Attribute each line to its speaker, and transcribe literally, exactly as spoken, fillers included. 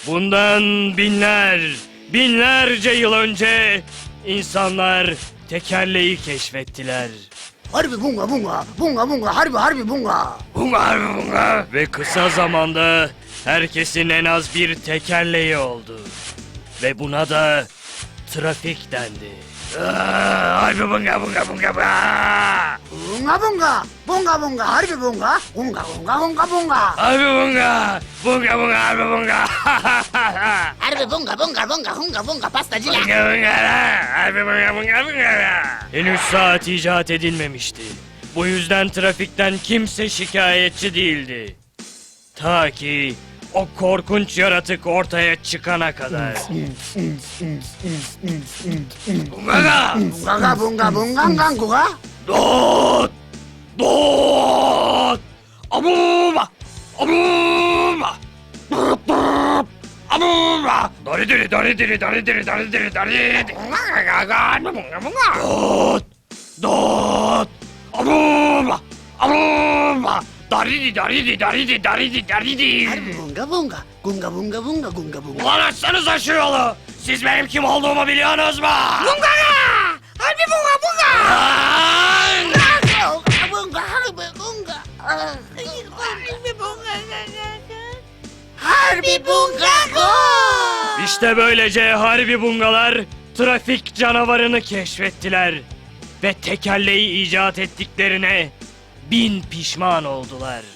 Speaker 1: Bundan binler, binlerce yıl önce insanlar tekerleği keşfettiler.
Speaker 2: Harbi bunga bunga, bunga bunga, harbi harbi bunga.
Speaker 1: Bunga harbi bunga. Ve kısa zamanda herkesin en az bir tekerleği oldu. Ve buna da trafik dendi. Aa, harbi bunga bunga bunga bunga.
Speaker 2: Bunga bunga, bunga bunga, harbi bunga. Bunga bunga bunga bunga.
Speaker 1: Harbi bunga, bunga bunga harbi bunga.
Speaker 2: Harbi bunga bunga bunga bunga bunga pastacılar.
Speaker 1: Bunga bunga, harbi bunga bunga bunga. Henüz saat icat edilmemişti. Bu yüzden trafikten kimse şikayetçi değildi. Ta ki o korkunç yaratık ortaya çıkana kadar. Bunga!
Speaker 2: Bunga bunga bunga bunga.
Speaker 1: Dot! Dot! Abuba! Abuba! Dot dot! Abuba! Dari diri dari diri dari diri dari diri dari Dot! Dot! Abuba! Abuba! Dari dari dari dari dari
Speaker 2: Harbi bunga bunga, bunga bunga bunga bunga bunga.
Speaker 1: Ulan açsanıza şu yolu! Siz benim kim olduğumu biliyorsunuz mu?
Speaker 2: Bunga! Harbi bunga bunga.
Speaker 1: Lan!
Speaker 2: Bunga harbi bunga. Harbi bunga. Harbi bunga.
Speaker 1: İşte böylece harbi bungalar trafik canavarını keşfettiler. Ve tekerleği icat ettiklerine bin pişman oldular.